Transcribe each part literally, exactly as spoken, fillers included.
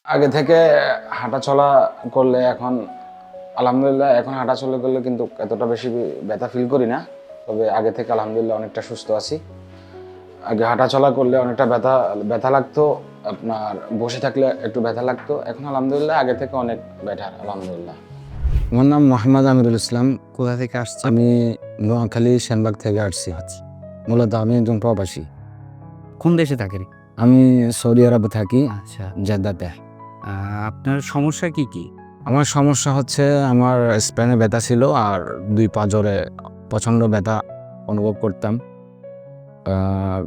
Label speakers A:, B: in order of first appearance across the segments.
A: আগে থেকে হাঁটা চলা করলে এখন আলহামদুলিল্লাহ এখন হাঁটা চলা করলে কিন্তু এতটা বেশি ব্যথা ফিল করি না। তবে আগে থেকে আলহামদুলিল্লাহ অনেকটা সুস্থ আছি। আগে হাঁটা চলা করলে অনেকটা ব্যথা ব্যথা লাগতো, আপনার বসে থাকলে একটু ব্যথা লাগতো। এখন আলহামদুলিল্লাহ আগে থেকে অনেক বেটার আলহামদুলিল্লাহ। আমার নাম মোহাম্মদ আমিরুল ইসলাম।
B: কোথা থেকে আসছেন?
A: আমি নোয়াখালী সেনবাগ থেকে আসছি। মূলত আমি একজন প্রবাসী।
B: কোন দেশে থাকেন?
A: আমি সৌদি আরবে থাকি,
B: আচ্ছা।
A: জেদ্দাতে।
B: আ আপনার সমস্যা কি, কি?
A: আমার সমস্যা হচ্ছে আমার স্পাইনে ব্যথা ছিল আর দুই পা জোরে প্রচণ্ড ব্যথা অনুভব করতাম। আ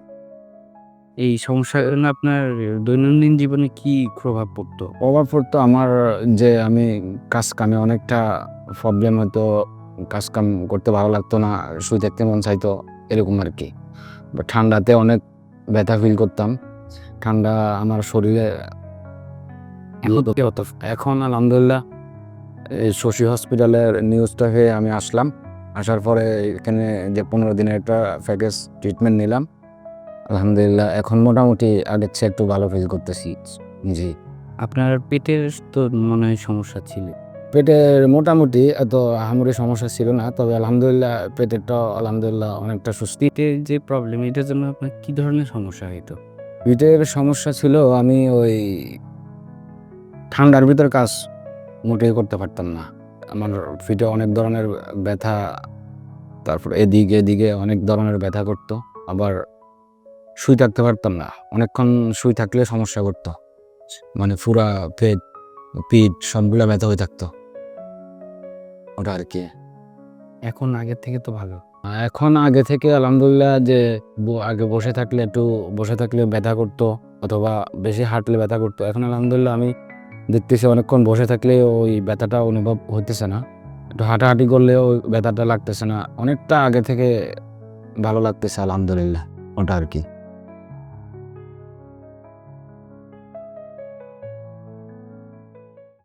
B: এই সমস্যার জন্য আপনার দৈনন্দিন জীবনে কি প্রভাব পড়তো?
A: প্রভাব পড়তো আমার যে আমি কাজ কামে অনেকটা প্রবলেম হতো। কাজ কাম করতে ভালো লাগতো না, শুয়ে থাকতে মন চাইতো এরকম আরকি। বা ঠান্ডাতে অনেক ব্যথা ফিল করতাম। ঠান্ডা আমার শরীরে
B: এখন কি হতো?
A: এখন আলহামদুলিল্লাহ এই শশী হসপিটালের নিউজটা পেয়ে আমি আসলাম। আসার পরে এখানে যে পনেরো দিনের একটা প্যাকেজ ট্রিটমেন্ট নিলাম। আলহামদুলিল্লাহ এখন মোটামুটি আগের চেয়ে একটু ভালো ফিল করতেছি। জি।
B: আপনার পেটের তো মনে হয় সমস্যা ছিল।
A: পেটের মোটামুটি এত আহামরি সমস্যা ছিল না। তবে আলহামদুলিল্লাহ পেটেরটাও আলহামদুলিল্লাহ অনেকটা সুস্থ।
B: পেটের যে প্রবলেম এটার জন্য আপনার কি ধরনের সমস্যা হইতো?
A: পেটের সমস্যা ছিল আমি ওই ঠান্ডার ভিতর কাজ মোটেই করতে পারতাম না। আমার পিঠে অনেক ধরনের ব্যথা, তারপর এদিকে, এদিকে অনেক ধরনের ব্যথা করতো। আবার শুয়ে থাকতে পারতাম না। অনেকক্ষণ শুয়ে থাকলে সমস্যা করতো। মানে পুরা পেট, পিঠ সবগুলা ব্যথা হয়ে থাকতো। ওটা আরকি।
B: এখন আগের থেকে তো ভালো।
A: এখন আগে থেকে আলহামদুলিল্লাহ যে ব আগে বসে থাকলে একটু বসে থাকলে ব্যথা করতো অথবা বেশি হাঁটলে ব্যথা করতো। এখন আলহামদুলিল্লাহ আমি দেখতেছি অনেকক্ষণ বসে থাকলে ওই ব্যথাটা অনুভব হইতেছে না। একটু হাঁটাহাঁটি করলেও ওই ব্যথাটা লাগতেছে না। অনেকটা আগে থেকে ভালো লাগতেছে আলহামদুলিল্লাহ। ওটা আরকি।